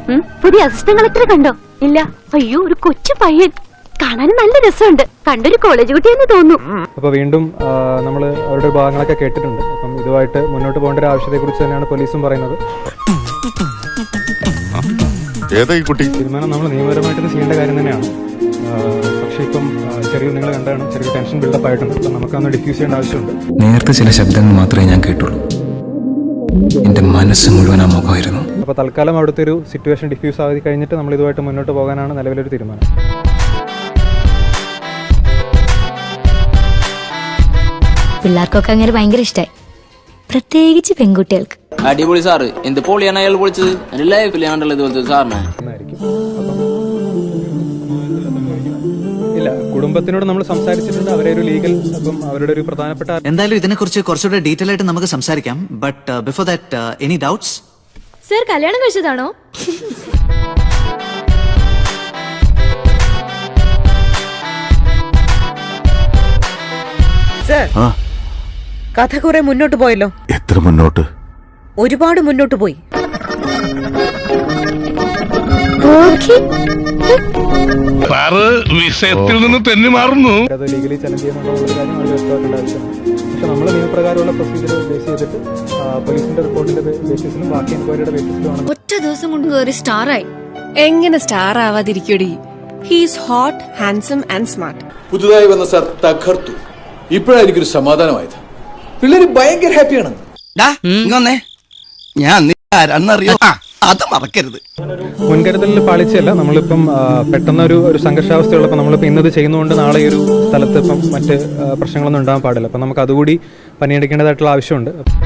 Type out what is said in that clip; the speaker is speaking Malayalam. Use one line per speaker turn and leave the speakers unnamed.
പുതിയ അസിസ്റ്റന്റ് കളക്ടറെ കണ്ടോ? ഇല്ല. അയ്യോ, ഒരു കൊച്ചു പയ്യൻ, കാണാനും നല്ല രസമുണ്ട്. കണ്ടൊരു കോളേജ് കുട്ടിയെന്ന് തോന്നുന്നു.
അപ്പൊ വീണ്ടും നമ്മൾ അവരുടെ ഭാഗങ്ങളൊക്കെ കേട്ടിട്ടുണ്ട്. അപ്പം ഇതുമായിട്ട് മുന്നോട്ട് പോകേണ്ട ഒരു ആവശ്യത്തെ കുറിച്ച് തന്നെയാണ് പോലീസും പറയുന്നത്. തീരുമാനം നമ്മൾ നിയമപരമായിട്ട് ചെയ്യേണ്ട കാര്യം തന്നെയാണ്. പക്ഷെ ഇപ്പം ചെറിയ നിങ്ങൾ കണ്ടാണ് ചെറിയ ടെൻഷൻ ബിൽഡപ്പ് ആയിട്ടുണ്ട്. അപ്പം നമുക്കൊന്ന് ഡിഫ്യൂസ് ചെയ്യേണ്ട ആവശ്യമുണ്ട്.
നേരത്തെ ചില ശബ്ദങ്ങൾ മാത്രമേ ഞാൻ കേട്ടുള്ളൂ. എന്റെ മനസ്സ് മുഴുവൻ ആ മുഖമായിരുന്നു.
അപ്പോൾ തൽക്കാലം അവിടുത്തെ ഒരു സിറ്റുവേഷൻ ഡിഫ്യൂസ് ആയി കഴിഞ്ഞിട്ട് നമ്മൾ ഇതുമായിട്ട് മുന്നോട്ട് പോകാനാണ് നിലവിലൊരു തീരുമാനം.
പിള്ളേർക്കൊക്കെ അങ്ങനെ ഭയങ്കര ഇഷ്ടമായി, പ്രത്യേകിച്ച് പെൺകുട്ടികൾക്ക്.
അടിപൊളി സാറ്, എന്ത് പൊളിയാണ് അയാൾ പൊളിച്ചത്. എന്റെ ലൈഫിൽ കണ്ടുള്ളത് ഇതുപോലത്തെ സാറിനെ.
ഇല്ല, കുടുംബത്തിനോട് നമ്മൾ സംസാരിച്ചിട്ടുണ്ട്. അവരെ ഒരു ലീഗൽ, അപ്പം അവരുടെ ഒരു പ്രധാനപ്പെട്ട
എന്തായാലും ഇതിനെക്കുറിച്ച് കുറച്ചുകൂടെ ഡീറ്റെയിൽ ആയിട്ട് നമുക്ക് സംസാരിക്കാം. But before that any doubts?
Sir കല്യാണം കഴിച്ചതാണോ?
സർ, കഥ കുറെ മുന്നോട്ട് പോയല്ലോ.
എത്ര മുന്നോട്ട്?
ഒരുപാട് മുന്നോട്ട് പോയി.
വിഷയത്തിൽ നിന്ന് തെന്നി മാറുന്നു.
അത് ലീഗലി ചലഞ്ച് ചെയ്യുന്നുണ്ടോ കാര്യം അവർ വ്യക്തമാക്കേണ്ട ആവശ്യമാണ്. പക്ഷെ നമ്മൾ നിയമപ്രകാരമുള്ള പ്രൊസീജിയർ ബേസ് ചെയ്തിട്ട് പോലീസിന്റെ റിപ്പോർട്ടിന്റെ ബേസിസിലും ബാക്കി എൻക്വയറിയുടെ ബേസിസിലുമാണ്.
ഒറ്റ ദിവസം കൊണ്ട് കയറി സ്റ്റാറായി.
എങ്ങനെ സ്റ്റാർ ആവാതിരിക്കടി? He's hot, handsome and smart.
പുതുതായി വന്ന സാർ തകർത്തു. ഇപ്പോഴാണ് എനിക്കൊരു സമാധാനമായത്. പിള്ളേര് ഭയങ്കര ഹാപ്പിയാണ്.
ഞാൻ ആരാന്നറിയോ? അത് മറക്കരുത്.
മുൻകരുതലിൽ പാളിച്ചല്ല. നമ്മളിപ്പം പെട്ടെന്ന് ഒരു സംഘർഷാവസ്ഥയുള്ളപ്പോൾ നമ്മളിപ്പോൾ ഇന്നത് ചെയ്യുന്നതുകൊണ്ട് നാളെ ഈ ഒരു സ്ഥലത്ത് ഇപ്പം മറ്റ് പ്രശ്നങ്ങളൊന്നും ഉണ്ടാകാൻ പാടില്ല. അപ്പം നമുക്ക് അതുകൂടി പണിയെടുക്കേണ്ടതായിട്ടുള്ള ആവശ്യമുണ്ട്.